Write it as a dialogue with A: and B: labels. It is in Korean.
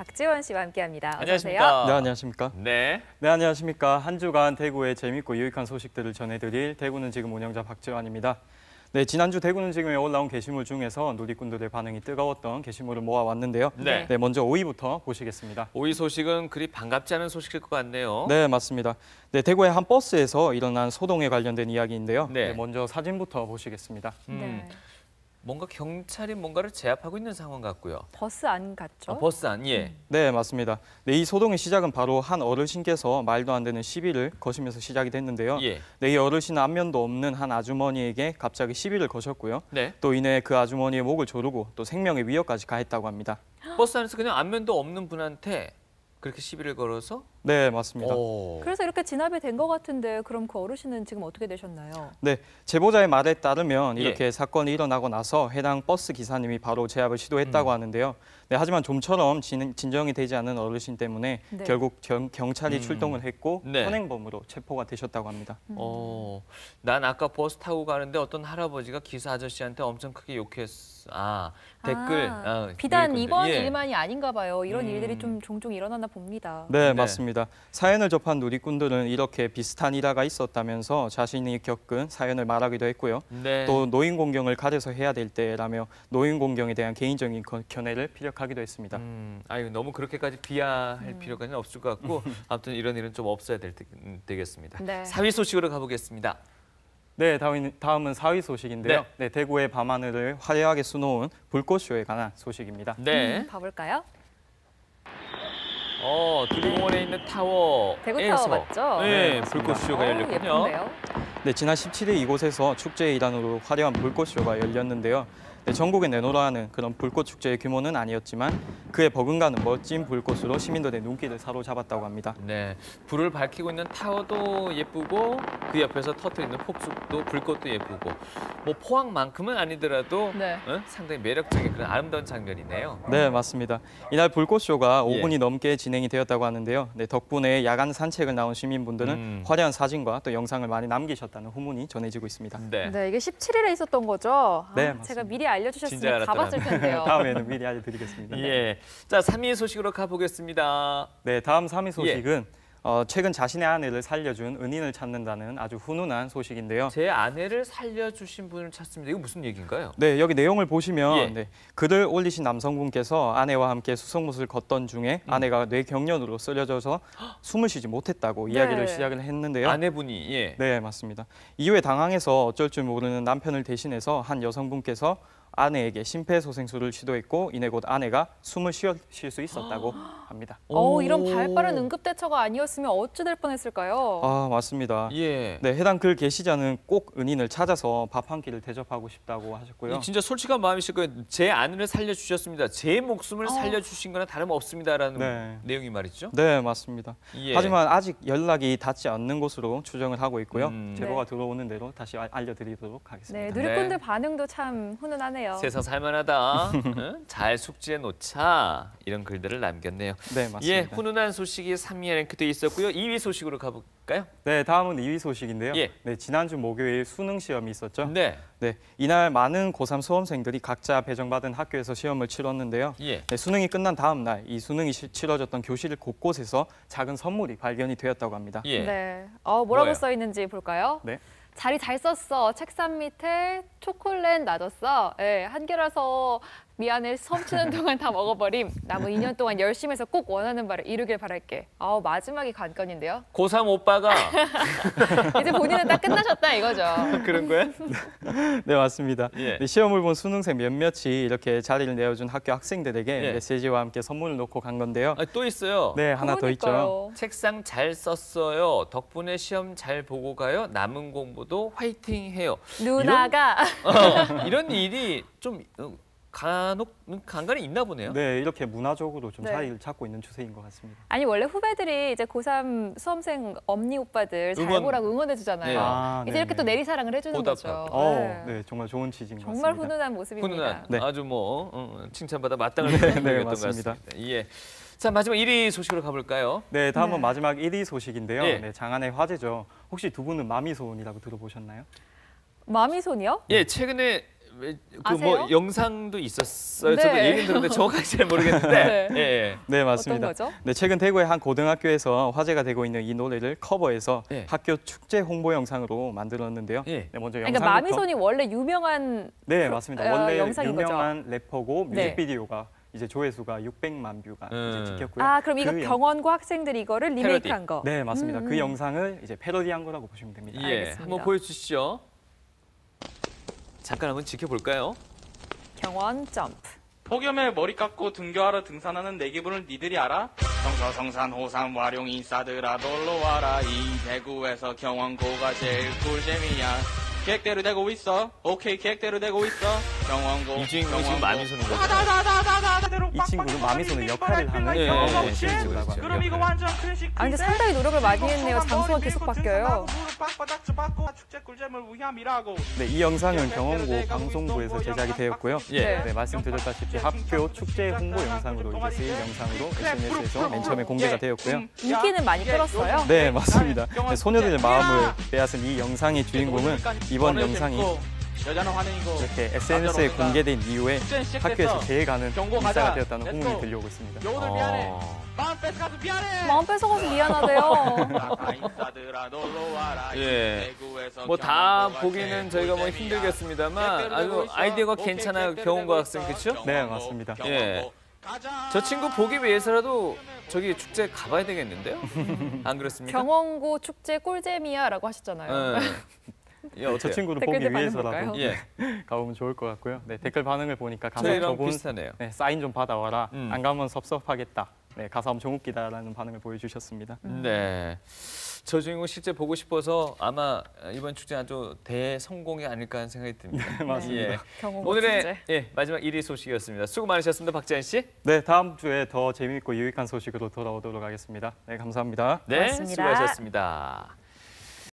A: 박지원 씨와 함께합니다. 어서
B: 안녕하십니까?
A: 오세요.
C: 네, 안녕하십니까?
B: 네.
C: 네, 안녕하십니까? 한 주간 대구의 재밌고 유익한 소식들을 전해드릴 대구는 지금 운영자 박지원입니다. 네, 지난주 대구는 지금에 올라온 게시물 중에서 누리꾼들의 반응이 뜨거웠던 게시물을 모아왔는데요.
B: 네.
C: 먼저 5위부터 보시겠습니다.
B: 5위 소식은 그리 반갑지 않은 소식일 것 같네요.
C: 네, 맞습니다. 네, 대구의 한 버스에서 일어난 소동에 관련된 이야기인데요.
B: 네.
C: 먼저 사진부터 보시겠습니다.
A: 네.
B: 뭔가 경찰이 뭔가를 제압하고 있는 상황 같고요.
A: 버스 안 갔죠?
B: 버스 안, 예.
C: 네, 맞습니다. 네, 이 소동의 시작은 바로 한 어르신께서 말도 안 되는 시비를 거시면서 시작이 됐는데요.
B: 예.
C: 네, 이 어르신은 안면도 없는 한 아주머니에게 갑자기 시비를 거셨고요.
B: 네.
C: 또 이내 그 아주머니의 목을 조르고 또 생명의 위협까지 가했다고 합니다.
B: 버스 안에서 그냥 안면도 없는 분한테 그렇게 시비를 걸어서?
C: 네, 맞습니다.
A: 그래서 이렇게 진압이 된 것 같은데 그럼 그 어르신은 지금 어떻게 되셨나요?
C: 네, 제보자의 말에 따르면 이렇게
B: 예.
C: 사건이 일어나고 나서 해당 버스 기사님이 바로 제압을 시도했다고 하는데요. 네, 하지만 좀처럼 진정이 되지 않은 어르신 때문에
A: 네.
C: 결국 경찰이 출동을 했고
B: 네.
C: 현행범으로 체포가 되셨다고 합니다.
B: 난 아까 버스 타고 가는데 어떤 할아버지가 기사 아저씨한테 엄청 크게 욕했어. 댓글.
A: 비단
B: 누리꾼들.
A: 이번
B: 예.
A: 일만이 아닌가 봐요. 이런 일들이 좀 종종 일어나나 봅니다.
C: 네,
B: 네.
C: 맞습니다. 사연을 접한 누리꾼들은 이렇게 비슷한 일화가 있었다면서 자신이 겪은 사연을 말하기도 했고요.
B: 네.
C: 또 노인 공경을 가려서 해야 될 때라며 노인 공경에 대한 개인적인 견해를 피력하기도 했습니다.
B: 아유, 너무 그렇게까지 비하할 필요까지는 없을 것 같고 아무튼 이런 일은 좀 없어야 되겠습니다.
A: 네.
B: 4위 소식으로 가보겠습니다.
C: 네, 다음은 4위 소식인데요. 네, 대구의 밤하늘을 화려하게 수놓은 불꽃쇼에 관한 소식입니다.
B: 네.
A: 봐볼까요?
B: 두리공원에 있는 타워에서
A: 대구 타워 맞죠?
B: 네,
C: 네,
B: 불꽃쇼가 열렸군요.
A: 예쁜데요?
C: 네, 지난 17일 이곳에서 축제의 일환으로 화려한 불꽃쇼가 열렸는데요. 네, 전국에 내놓으라 하는 그런 불꽃 축제의 규모는 아니었지만 그에 버금가는 멋진 불꽃으로 시민들의 눈길을 사로잡았다고 합니다.
B: 네, 불을 밝히고 있는 타워도 예쁘고 그 옆에서 터뜨리는 폭죽도 불꽃도 예쁘고 뭐 포항만큼은 아니더라도
A: 네.
B: 상당히 매력적인 그런 아름다운 장면이네요.
C: 네, 맞습니다. 이날 불꽃쇼가
B: 예.
C: 5분이 넘게 진행이 되었다고 하는데요. 네, 덕분에 야간 산책을 나온 시민분들은 화려한 사진과 또 영상을 많이 남기셨다는 후문이 전해지고 있습니다.
B: 네.
A: 네, 이게 17일에 있었던 거죠?
C: 네,
A: 제가
C: 맞습니다.
A: 미리
B: 진짜
A: 알려주셨으면
B: 알았더라면.
A: 가봤을 텐데요.
C: 다음에는 미리 알려드리겠습니다.
B: 예. 자, 3위 소식으로 가보겠습니다.
C: 네, 다음 3위 소식은 최근 자신의 아내를 살려준 은인을 찾는다는 아주 훈훈한 소식인데요.
B: 제 아내를 살려주신 분을 찾습니다. 이거 무슨 얘기인가요?
C: 네, 여기 내용을 보시면
B: 예.
C: 네, 글을 올리신 남성분께서 아내와 함께 수송못을 걷던 중에 아내가 뇌경련으로 쓰러져서 숨을 쉬지 못했다고 이야기를 시작을 했는데요.
B: 아내분이, 예.
C: 네, 맞습니다. 이후에 당황해서 어쩔 줄 모르는 남편을 대신해서 한 여성분께서 아내에게 심폐소생술을 시도했고 이내 곧 아내가 숨을 쉴 수 있었다고 합니다.
A: 이런 발빠른 응급대처가 아니었으면 어찌 될 뻔했을까요?
C: 아, 맞습니다.
B: 예.
C: 네, 해당 글 게시자는 꼭 은인을 찾아서 밥 한 끼를 대접하고 싶다고 하셨고요.
B: 진짜 솔직한 마음이실 거예요. 제 아내를 살려주셨습니다. 제 목숨을 살려주신 거나 다름없습니다라는
C: 네.
B: 내용이 말이죠.
C: 네, 맞습니다.
B: 예.
C: 하지만 아직 연락이 닿지 않는 것으로 추정을 하고 있고요. 제보가
A: 네.
C: 들어오는 대로 다시 알려드리도록
A: 네,
C: 하겠습니다.
A: 누리꾼들
B: 네.
A: 반응도 참 훈훈하네요.
B: 세상 살만하다. 응? 잘 숙지해 놓자. 이런 글들을 남겼네요.
C: 네, 맞습니다.
B: 예, 훈훈한 소식이 3위에 랭크돼 있었고요. 2위 소식으로 가볼까요?
C: 네, 다음은 2위 소식인데요.
B: 예.
C: 네, 지난주 목요일 수능 시험이 있었죠.
B: 네.
C: 네, 이날 많은 고3 수험생들이 각자 배정받은 학교에서 시험을 치렀는데요.
B: 예.
C: 네, 수능이 끝난 다음 날 이 수능이 치러졌던 교실 곳곳에서 작은 선물이 발견이 되었다고 합니다.
B: 예.
A: 네, 뭐라고
B: 뭐예요?
A: 써 있는지 볼까요?
C: 네.
A: 자리 잘 썼어. 책상 밑에 초콜릿 놔뒀어. 예, 한 개라서 미안해. 수험 치는 동안 다 먹어버림. 남은 2년 동안 열심히 해서 꼭 원하는 바를 이루길 바랄게. 마지막이 관건인데요.
B: 고3 오빠가
A: 이제 본인은 딱 끝나셨다 이거죠.
B: 그런 거야?
C: 네, 맞습니다.
B: 예.
C: 네, 시험을 본 수능생 몇몇이 이렇게 자리를 내어준 학교 학생들에게
B: 예.
C: 메시지와 함께 선물을 놓고 간 건데요.
B: 또 있어요.
C: 네, 하나 더 있죠.
A: 그러니까요.
B: 책상 잘 썼어요. 덕분에 시험 잘 보고 가요. 남은 공부도 화이팅 해요.
A: 누나가
B: 이런 일이 좀 간간히 있나 보네요.
C: 네, 이렇게 문화적으로 좀
A: 네.
C: 자리를 찾고 있는 추세인 것 같습니다.
A: 아니 원래 후배들이 이제 고3 수험생 엄니 오빠들 잘
B: 응원.
A: 보라고 응원해 주잖아요.
B: 네.
C: 아,
A: 이제 이렇게 또 내리사랑을 해주는
B: 보답하고.
A: 거죠.
C: 네, 정말 좋은 취지인 것
A: 정말
C: 같습니다.
A: 훈훈한 모습입니다.
B: 훈훈한
C: 네.
B: 아주 칭찬받아 마땅한 모습이었던 것
C: 맞습니다.
B: 같습니다. 예. 자, 마지막 1위 소식으로 가볼까요?
C: 네, 다음은
A: 네.
C: 마지막 1위 소식인데요.
B: 예.
C: 네, 장안의 화제죠. 혹시 두 분은 마미소원이라고 들어보셨나요?
A: 마미손이요?
B: 예, 최근에 그 뭐
A: 아세요?
B: 영상도 있었어요. 저도
A: 네.
B: 얘기는 들었는데 정확하게 잘 모르겠는데.
A: 네.
B: 예.
C: 네, 맞습니다.
A: 어떤 거죠?
C: 네, 최근 대구의 한 고등학교에서 화제가 되고 있는 이 노래를 커버해서
B: 예.
C: 학교 축제 홍보 영상으로 만들었는데요.
B: 예.
C: 네, 먼저
A: 그러니까
C: 영상부터.
A: 마미손이 원래 유명한
C: 네, 맞습니다.
A: 어,
C: 원래
A: 영상인 거죠?
C: 유명한 래퍼고
A: 네.
C: 뮤직비디오가 이제 조회수가 600만 뷰가 이제 찍혔고요.
A: 아, 그럼 이거
C: 그
A: 병원고 학생들이 이거를 리메이크한 거.
C: 네, 맞습니다. 그 영상을 이제 패러디한 거라고 보시면 됩니다.
B: 예.
A: 알겠습니다.
B: 한번 보여주시죠. 잠깐 한번 지켜볼까요?
A: 경원 점프.
D: 폭염에 머리 깎고 등교하러 등산하는 내 기분을 니들이 알아? 성서 성산 호산 와룡 인싸들아 놀러 와라 이 대구에서 경원고가 제일 꿀잼이야 계획대로 되고 있어 오케이 계획대로 되고 있어 경원고
B: 이 주인공이 지금 마미손인 거죠?
C: 이 친구는 마미손의 역할을 하는
B: 예,
C: 경원
B: 예,
C: 친구라고
B: 예.
D: 그럼 이거
C: 합니다.
D: 완전 클래식
A: 아, 근데 상당히 노력을 많이 했네요. 장소가 계속 바뀌어요.
D: 축제 꿀잼을 위함이라고
C: 네, 이 영상은 경원고 방송부에서 제작이 되었고요.
B: 예.
C: 네, 말씀드렸다시피 학교 축제 홍보 영상으로 이제 쓰인 영상으로 SNS에서 맨 처음에 공개가 되었고요.
A: 인기는 많이 끌었어요.
C: 네, 맞습니다. 네, 소녀들의 마음을 빼앗은 이 영상의 주인공은 이번 영상이
D: 여자는 환영이고
C: 이렇게 SNS에 공개된 이후에 학교에서 제일 가는 인싸가 되었다는 호응이 들려오고 있습니다.
D: 여우들 미안해
B: 어.
D: 마음 뺏어가서 미안해
A: 마음 뺏어가서 미안하대요.
B: 예. 뭐 다 보기는 저희가 뭐 힘들겠습니다만 아주 아이디어가 괜찮아요. 경원고 학생 그렇죠?
C: 네, 맞습니다.
B: 예. 저 친구 보기 위해서라도 저기 축제 가봐야 되겠는데요? 안 그렇습니까?
A: 경원고 축제 꿀잼이야라고 하셨잖아요.
B: 예, 어때요?
C: 저 친구를
A: 댓글들
C: 보기
A: 반응
C: 위해서라도
A: 볼까요?
B: 예,
C: 가보면 좋을 것 같고요. 네, 댓글 반응을 보니까 가서
B: 저희랑
C: 저분
B: 비슷하네요.
C: 네, 사인 좀 받아와라.
B: 음.
C: 안 가면 섭섭하겠다. 네, 가서 엄청 웃기다라는 반응을 보여주셨습니다.
B: 네. 저 주인공 실제 보고 싶어서 아마 이번 축제 아주 대성공이 아닐까 하는 생각이 듭니다.
C: 맞습니다.
B: 예.
A: 경원고
B: 오늘의
A: 축제.
B: 예, 마지막 1위 소식이었습니다. 수고 많으셨습니다. 박재현 씨.
C: 네, 다음 주에 더 재미있고 유익한 소식으로 돌아오도록 하겠습니다. 네, 감사합니다.
B: 네,
A: 고맙습니다.
B: 수고하셨습니다.